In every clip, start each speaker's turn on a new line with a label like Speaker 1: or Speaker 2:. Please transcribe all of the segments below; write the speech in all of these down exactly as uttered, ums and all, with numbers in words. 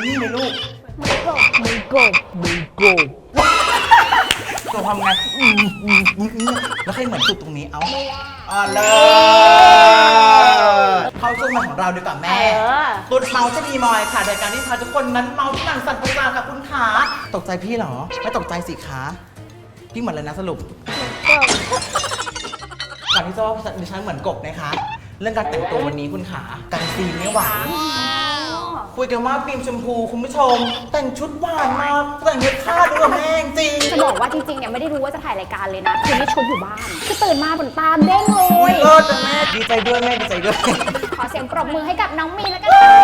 Speaker 1: นี่ไหมลูก
Speaker 2: มือกบมือกบมือกบ
Speaker 1: ตัวทำไงแล้วใครเหมือนสุดตรงนี้เอาอ๋อเลยเข้าช่วงมาของเราดีกว่าแม่ตุ๊ดเมาจะมีมอยค่ะรายการที่พาทุกคนนั้นเมาที่หนังสั่นประสาทค่ะคุณขาตกใจพี่เหรอไม่ตกใจสิคะพี่เหมือนเลยนะสรุปก่อนที่จะว่าดิฉันเหมือนกบนะคะเรื่องการแต่งตัววันนี้คุณขากันซีนไม่หวานคุยกันว่าฟิล์มชมพูคุณผู้ชมแต่งชุดหวานมากแต่งเย็บผ้าด้วยแม่จริง
Speaker 2: จะบอกว่าจริงๆเนี่ยไม่ได้รู้ว่าจะถ่ายรายการเลยนะคือนี่ชุดอยู่บ้านคือตื่นมาบนตาเด้งเลย
Speaker 1: เลิศแม่ดีใจด้วยแม่ดีใจด้วย
Speaker 2: ขอเสียงปรบมือให้กับน้องมีนแล้วกันค่ะ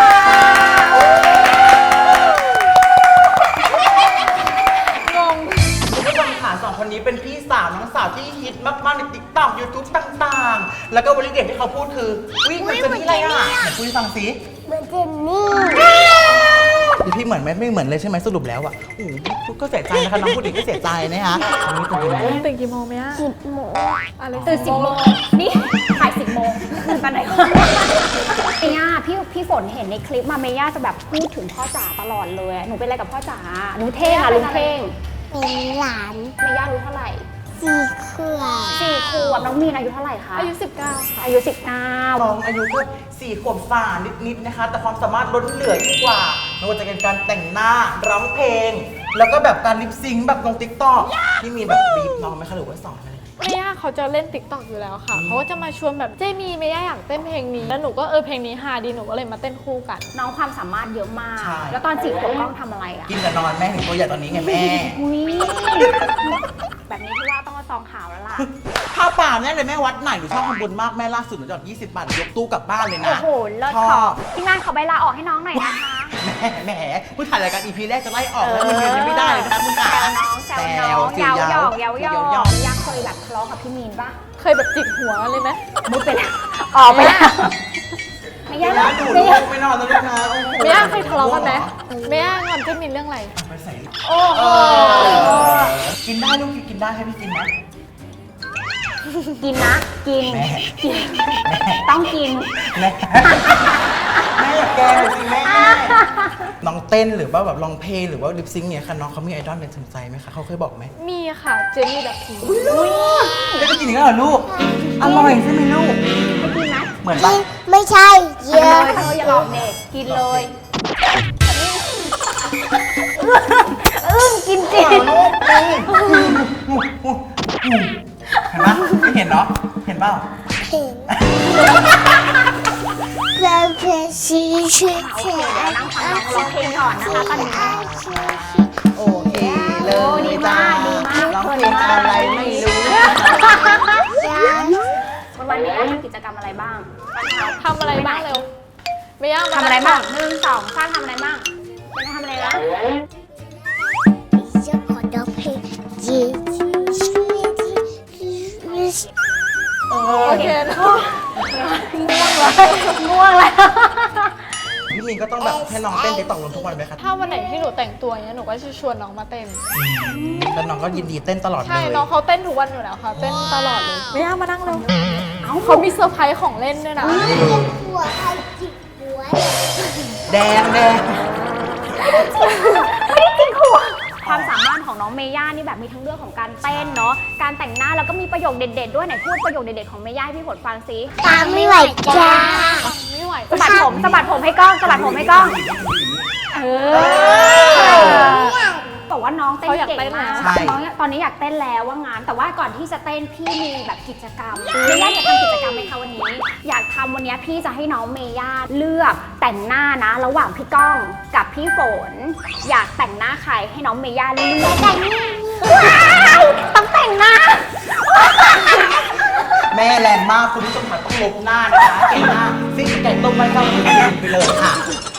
Speaker 2: งง
Speaker 1: คุณผู้ชมค่ะสองคนนี้เป็นพี่สาวน้องสาวที่ฮิตมากๆในติ๊กต็อกยูทูบต่างๆแล้วก็วลีเด็ดที่เขาพูดคือวิ่งเหมือนเจนนี่อะไรอ่ะไหนคุยฟังสิ
Speaker 2: เหมือนเจนนี่
Speaker 1: ดิพี่เหมือนไหมไม่เหมือนเลยใช่ไหมสรุปแล้วอ่ะโอ้พูดก็เสียใจนะคะน้องพูดอีกก็เสียใจนะคะวันนี้ตื่นกี่โมง
Speaker 3: ตื่นกี่โมงไหมอ่ะ
Speaker 2: สิบโมงอะไรตื่นสิบโมงนี่ถ่ายสิบโมงตื่นตอนไหนเมย่าพี่พี่ฝนเห็นในคลิปมาเมย่าจะแบบพูดถึงพ่อจ๋าตลอดเลยหนูเป็นอะไรกับพ่อจ๋าหนูเท่งอะลุงเท่ง
Speaker 4: เป็นหลาน
Speaker 2: เมย่ารู้เท่าไหร่
Speaker 4: สี่ขวบ
Speaker 2: สี่ขวบน้องมีนอายุเท่าไหร่คะ
Speaker 3: อายุสิบเก้าค่ะ
Speaker 2: อายุสิบเก้า
Speaker 1: น้องอายุก็สี่ขวบฝ่านิดๆนะคะแต่ความสามารถล้นเหลือยิ่งกว่าไม่ว่าจะเป็นการแต่งหน้าร้องเพลงแล้วก็แบบการลิปซิงค์แบบลงติ๊กต็อกที่มีแบบบีบน้องไหมคะหรือว่าสอนอะไร
Speaker 3: เมย่าเขาจะเล่นติ๊กต็อกอยู่แล้วค่ะเขาก็จะมาชวนแบบเจมีเมย่าอยากเต้นเพลงนี้แล้วหนูก็เออเพลงนี้ฮาดีหนูก็เลยมาเต้นคู่กัน
Speaker 2: น้องความสามารถเยอะมากแล้วตอนสี่ขวบต้องทำอะไรอ่ะ
Speaker 1: กินกับนอนแม่ถึงตัวใหญ่ตอนนี้ไงแม่
Speaker 2: แบบนี้พี่ว่าต้องมาซองข่าวแล้วล่ะ
Speaker 1: ผ้าป่าแน่เลยแม่วัดไหนหนูชอบทำบุญมากแม่ล่าสุดหนูจอดยี่สิบบาทยกตู้กลับบ้านเลยนะ
Speaker 2: โอ้โหเลิศขอพี่งานขอใบลาออกให้น้องหน่อยนะคะ
Speaker 1: แม่แม่ผู้ถ่ายรายการอีพีแรกจะไล่ออกแล้วมันยังไม่ได้เลยนะคุณขา
Speaker 2: น้องแซวน้องเยาหยอกเยาหยอกยังเคยแบบทะเลาะกับพี่มีนปะ
Speaker 3: เคยแบบจิกหัวเลยไหม
Speaker 2: มุดไปแล้วออกไปแล้วไม่ยาก
Speaker 1: ไม่ยากไม่นอนแล้วลูกนะ
Speaker 3: ไม่ยากเคยทะเลาะกันไหมไม่ยากงอนเจมินเรื่องอะไร
Speaker 1: ไปใส่
Speaker 2: โอ้โห
Speaker 1: กินได้ลูกกินได้ให้พี่กินไหม
Speaker 2: กินนะกินกินต้องกิน
Speaker 1: แม่แม่อยากแกงจริงแม่น้องเต้นหรือว่าแบบร้องเพลงหรือว่าลิปซิงค์เนี่ยค่ะน้องเขามีไอดอลในสนใจไหมคะเขาเคยบอกไหม
Speaker 3: มีค่ะเจนี่แบบพี
Speaker 1: อุ้ยได้ไปกินอีกแล้วเหรอลูกอร่อยใช่ไหมลูก
Speaker 2: ไม่กินไหม
Speaker 1: เหมือนปะ
Speaker 4: ไม่ใช่เยอะ
Speaker 2: เธออย่าหลอกเด็กกินเลยอึ้งกินจริง
Speaker 1: เห็นปะไม่เห็นเนาะเห็นเปล่า
Speaker 4: เห็นเราเพลงชีชีเขียน
Speaker 2: นั่งฟังน้องร้องเพลงก่อนนะคะตอนนี้
Speaker 1: โอเคเลย
Speaker 2: ดีมากดีมาก
Speaker 1: ร้องเพลงอะไรไม่รู้
Speaker 2: วันวันนี้ทำกิจกรรมอะไรบ้าง
Speaker 3: ทำอะไรบ้างเร็วไม่ยาก
Speaker 2: ทำอะไรบ้างหนึ่งสองสามทำอะไรบ้างเป็นทำอะไรนะ
Speaker 4: จะขอร้องเพลงจี
Speaker 3: โอเค
Speaker 2: ง่วงเลยง่วงแล้ว
Speaker 1: พี่มีนก็ต้องแบบให้น้องเต้นติ๊กต็อกลงทุกวันไหมครับ
Speaker 3: ถ้าวันไหนที่หนูแต่งตัวเนี้ยหนูก็จะชวนน้องมาเต้น
Speaker 1: แล้วน้องก็ยินดีเต้นตลอดเลย
Speaker 3: ใช่น้องเขาเต้นทุกวันอยู่แล้วค่ะเต้นตลอดเลยไม่ยากมานั่งเลยเขามีเซอร์ไพรส์ของเล่นด้วยนะ
Speaker 4: หัวใครจิกหัว
Speaker 1: แดงแดง
Speaker 2: ไม่ได้จิกหัวความสามารถของน้องเมย่านี่แบบมีทั้งเรื่องของการเต้นเนาะการแต่งหน้าแล้วก็มีประโยคเด็ดๆด้วยไหนพูดประโยคเด็ดๆของเมย่าให้พี่ฝนฟังซิ
Speaker 4: ตามไม่ไหวจ้า
Speaker 3: ไม่ไหว
Speaker 2: สะบัดผมสะบัดผมให้กล้องสะบัดผมให้กล้องเออบอกว่าน้องเต้นเก่งมากน้องตอนนี้อยากเต้นแล้วว่างานแต่ว่าก่อนที่จะเต้นพี่มีแบบกิจกรรมเมย่าอยากทำกิจกรรมไหมคะวันนี้อยากทำวันนี้พี่จะให้น้องเมย่าเลือกแต่งหน้านะระหว่างพี่ก้องกับพี่ฝนอยากแต่งหน้าใครให้น้องเมย่าเลือกแต่งต้องแต่งหน้า
Speaker 1: แม่แรงมากคุณผู้ชมค่ะต้องลบหน้านะคะแกงหน้าซิ่งไก่ต้มไว้เข้าไปเลยค่ะ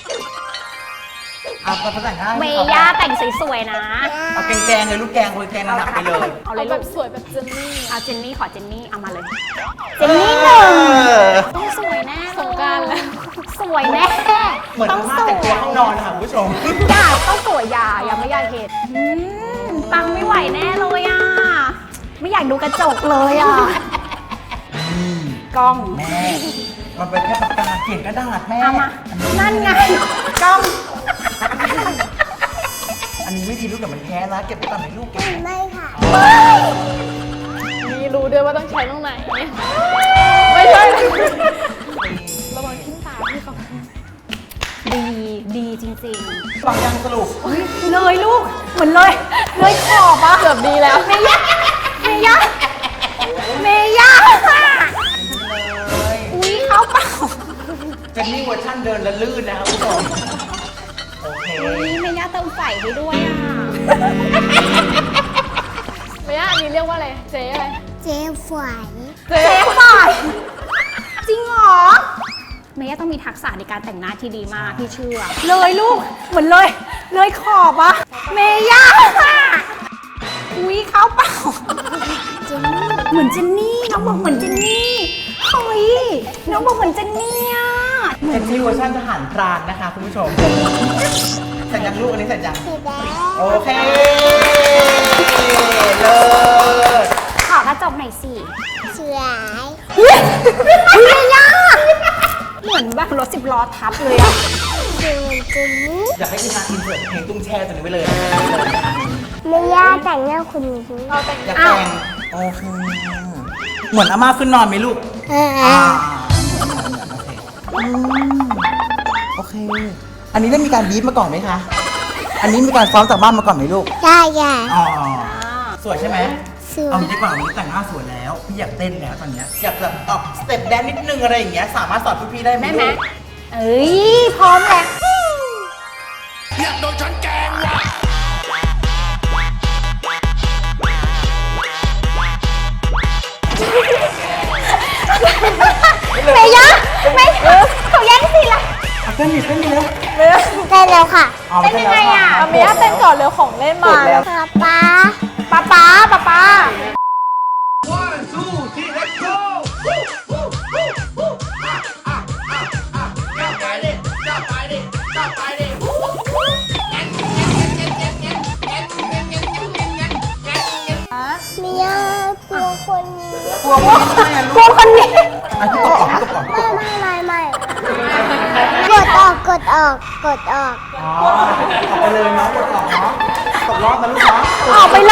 Speaker 1: เอาไปแต่งหน้า
Speaker 2: เมย่าแต่งสวยๆนะ
Speaker 1: เอาแกงๆเลยลูกแกงเลยแกงหนักไปเลย
Speaker 3: เอาเลยแบบสวยแบบเจนนี่
Speaker 2: เอาเจนนี่ขอเจนนี่เอามาเลยเจนนี่หนึ่งต้องสวยแน่
Speaker 3: สงกรานต์แล้ว
Speaker 2: สวยแน่
Speaker 1: เหมือนมาแต่งตัวห้องนอนค่ะคุณผู้ชม
Speaker 2: อย่าต้องสวยอย่าอย่าไม่อยากเห็นปังไม่ไหวแน่เลยอ่ะไม่อยากดูกระจกเลยอ่ะกล้อง
Speaker 1: แม่มันเป็นแค่ปากกาเขียนกระดาษแม่
Speaker 2: เอามานั่นไงกล้อง
Speaker 1: อันนี้ไม่ดีลูกเดี๋ยวมันแพ้นะเก็บไว้ก่อนไหมลูกเก็บไว้
Speaker 4: ไม่ค่ะ
Speaker 3: มีรู้ด้วยว่าต้องใช้ตรงไหน ไม่ใช่ระวังทิ้งตาพี่เขา
Speaker 2: ดีดีจริง
Speaker 1: ฟังยังสรุป
Speaker 2: ๆเฮ้ยเลยลูกเหมือนเลยเลยขอบอะ
Speaker 3: เกือบดีแล้ว
Speaker 2: เมย่าเมย่าเมย่า
Speaker 1: เลย
Speaker 2: อุ้ยเขาเปล่า
Speaker 1: เจนนี่เวอร์ชันเดินและลื่นนะครับคุณผู้ชมโอเค
Speaker 2: อุ้ยเมย่าเติมไฟให้ด้วยอ่ะ
Speaker 3: ไม่ยากอันนี้เรียกว่าอะไร เจ๊อะไร
Speaker 4: เจ๊ฝอย
Speaker 3: เจ๊
Speaker 2: เจ๊ฝ่ายจริงเหรอเมย่าต้องมีทักษะในการแต่งหน้าที่ดีมากพี่เชื่อ เลยลูกเหมือนเลย เลยขอบอะเมย่าอุ้ยเขาเปล่า
Speaker 4: เจนนี่
Speaker 2: เหมือนเจนนี่น้องบอกเหมือนเจนนี่เฮ้ยน้องบอกเหมือนเจนนี่อะ
Speaker 1: เจนนี่เวอร์ชันทหารพรานนะคะคุณผู้ชมเสร็จยังลูกอันนี้เสร็จยัง
Speaker 4: สีแดง
Speaker 1: โอเคเลิศ
Speaker 2: ขอกระจกหน่อยสิ
Speaker 4: สวย
Speaker 2: อุ้ยอุ้ยเมย่าเหมือนแบบรถสิบล้อทับเลยอะ
Speaker 4: เจนเจนนี่
Speaker 1: อยากให้ทีมงานอินเสิร์ตเพลงตุ้งแช่ตัวนี้ไปเลย
Speaker 4: ไม่ย่าแต่งหน้าคุณนี้
Speaker 3: เราแต่ง
Speaker 1: อยากแต่งโอเคเหมือนอาม่าขึ้นนอนไหมลูก
Speaker 4: เออ
Speaker 1: อ่าอืมโอเค อันนี้ได้มีการบีบมาก่อนไหมคะ อันนี้มีการซ้อมจากบ้านมาก่อนไหมลูก
Speaker 4: ใช่ใช่
Speaker 1: อ๋อ สวยใช่ไหม
Speaker 4: สว
Speaker 1: เอา
Speaker 4: ย
Speaker 1: งี้ดีกว่าวันนี้แต่งหน้าสวยแล้ว พี่อยากเต้นแล้วตอนเนี้ยอยากแบบออกสเต็ปแดนนิดนึงอะไรอย่างเงี้ย สามารถสอนพี่ๆได้ไหม
Speaker 2: ได้ไหม
Speaker 1: ลูก
Speaker 2: เอ้ยพร้อมแล้ว เมย่าไม่เขาแย่งสิละ
Speaker 1: เอาเต้นดิเต้นดิแล้ว
Speaker 4: ได้แล้วค่ะ
Speaker 1: เอาไปเต้นแล้วค่ะ
Speaker 3: เอาเมียเต้นก่อนเร็วของเล่นมา
Speaker 1: กดแล้ว
Speaker 4: ป๊าป๊า
Speaker 2: ป๊าป๊าป๊าป๊า
Speaker 4: เมียกลัวคนนี้
Speaker 1: กลัวคนนี้ใช่ไหม
Speaker 2: กลัวคนนี้
Speaker 1: อ่ะพี่กดออกพี่กดออกพี่กดออก
Speaker 4: ไม่ไม่ไม่กดออกกดออกกดออก
Speaker 1: อ๋อออกไปเลยเนาะกดออกเนาะตกรอบนะลูกเนาะ
Speaker 2: ออกไปเลย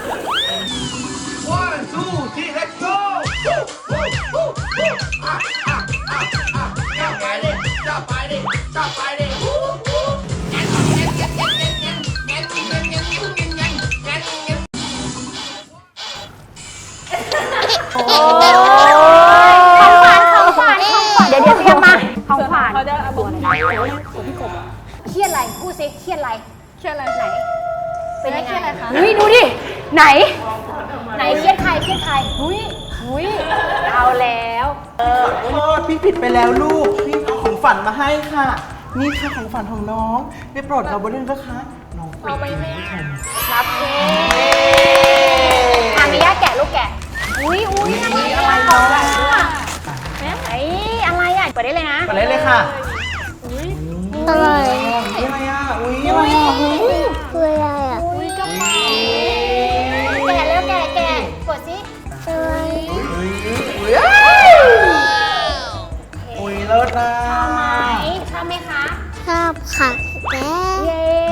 Speaker 2: ของขวัญของขวัญของขวัญเดี๋ยวเดี๋ยวเตรียมมาของขวัญ
Speaker 3: เขาจะเอาบอก
Speaker 2: เครียดอะไรพูดสิเครียดอะไร
Speaker 3: เครียดอะไร
Speaker 2: ไหน
Speaker 3: เป็นยังไงอะไรคะ
Speaker 2: อุ้ยดูดิไหน ไหนเครียดใครเครียดใครอุ้ยอุ้ยเอาแล้ว
Speaker 1: ขอโทษพี่ผิดไปแล้วลูก พี่เอาของฝันมาให้ค่ะ นี่ค่ะของฝันของน้องได้โปรดเราบนเรื่องนะคะ น้อง
Speaker 3: เอาไปแม่
Speaker 2: รับเองอ่ะมีย่าแกะลูกแกะอุ้ยอุ้ยอะไรอะไรของอ่ะไอ้อะไรอ่ะเปิดได้เลยนะ
Speaker 1: ไปเลยเลยค่ะ
Speaker 4: อะไร
Speaker 1: อุ้ยอะไรอ่ะ อุ้ยอะไรอ่ะ
Speaker 4: คืออะไรอ่ะ
Speaker 2: อุ้ยกระเป๋าแกะแล้วแกะแกะกดสิ
Speaker 4: สวย
Speaker 1: อุ้ยอุ้ยอุ้ยเลิศนะ
Speaker 2: ชอบไหมชอบไหมคะ
Speaker 4: ชอบค่ะแม่
Speaker 2: เย้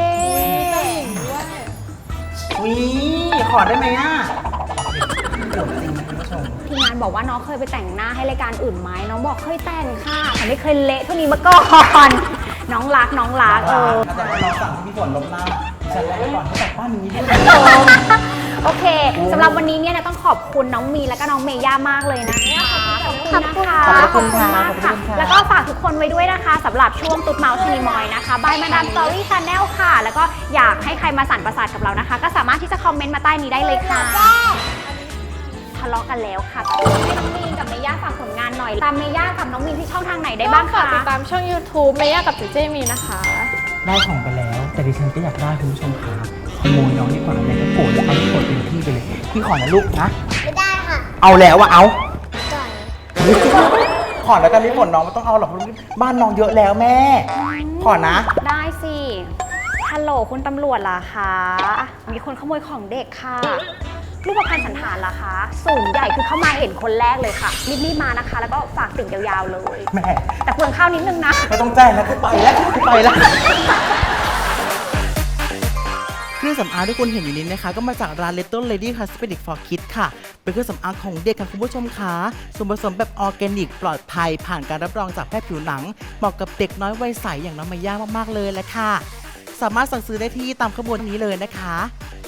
Speaker 1: อุ้ยขอได้ไหมอ่ะเดี๋ยวจริงนะคุณผู้ชม
Speaker 2: ทีมงานบอกว่าน้องเคยไปแต่งหน้าให้รายการอื่นไหมน้องบอกเคยแต่งค่ะแต่ไม่เคยเละเท่านี้มาก่อนน้องรักน้องรักเออ
Speaker 1: อาจารย์เราสั่งที่พี่ฝนลบหน้าฉันไว้ก่อนให้กลับบ้านอย่างนี้ด้วย
Speaker 2: โอเคสำหรับวันนี้เนี่ยนะต้องขอบคุณน้องมีและก็น้องเมย่ามากเลยนะคะขอบคุณนะคะ
Speaker 1: ขอบคุณค่ะ
Speaker 2: มากค่ะ
Speaker 1: ขอบคุณค่ะ
Speaker 2: แล้วก็ฝากทุกคนไว้ด้วยนะคะสำหรับช่วงตุ๊ดเมาส์ชนีมอยนะคะบายมาดามสตอรี่ชาแนลค่ะ แล้วก็อยากให้ใครมาสั่นประสาทกับเรานะคะ ก็สามารถที่จะคอมเมนต์มาใต้นี้ได้เลยค่ะทะเลาะกันแล้วค่ะให้น้องมีนกับเมย่าฝากผลงานหน่อยตามเมย่ากับน้องมีนที่ช่องทางไหนได้บ้าง
Speaker 3: ฝาก
Speaker 2: คะ
Speaker 3: ติดตามช่อง YouTube เมย่ากับเจเจมีนะคะ
Speaker 1: ได้ของไปแล้ว แต่ดิฉันก็อยากได้คุณผู้ชมค่ะขโมยน้องดีกว่าอะไรก็โกรธแล้วเอาที่โกรธเป็นที่ไปเลย พี่ขอนะลูกนะ
Speaker 4: ไม่ได้ค่ะ
Speaker 1: เอาแล้วอะเอา
Speaker 4: ก่อน
Speaker 1: ขอแล้วกันพี่ฝนน้องไม่ต้องเอาหรอกเพราะบ้านน้องเยอะแล้วแม่ ขอนะ
Speaker 2: ได้สิฮัลโหลคุณตำรวจล่ะคะมีคนขโมยของเด็กค่ะรูปพรรณสันฐานล่ะคะสูงใหญ่คือเข้ามาเห็นคนแรกเลยค่ะรีบๆมานะคะ แล้วก็ฝากติ่งยาวๆเลย
Speaker 1: แม่
Speaker 2: แต่เปลืองข้าวนิดนึงนะ
Speaker 1: ไม่ต้องแจ้งแล้วกูไปแล้วกูไปแล้วเครื่องสำอางที่คุณเห็นอยู่นี้นะคะก็มาจากร้าน Little Lady Cosmetics for Kids ค่ะเป็นเครื่องสำอางของเด็กค่ะคุณผู้ชมค่ะส่วนผสมแบบออร์แกนิกปลอดภัยผ่านการรับรองจากแพทย์ผิวหนังเหมาะกับเด็กน้อยวัยใสอย่างน้องมายามากๆเลยแหละค่ะสามารถสั่งซื้อได้ที่ตามขบวนนี้เลยนะคะ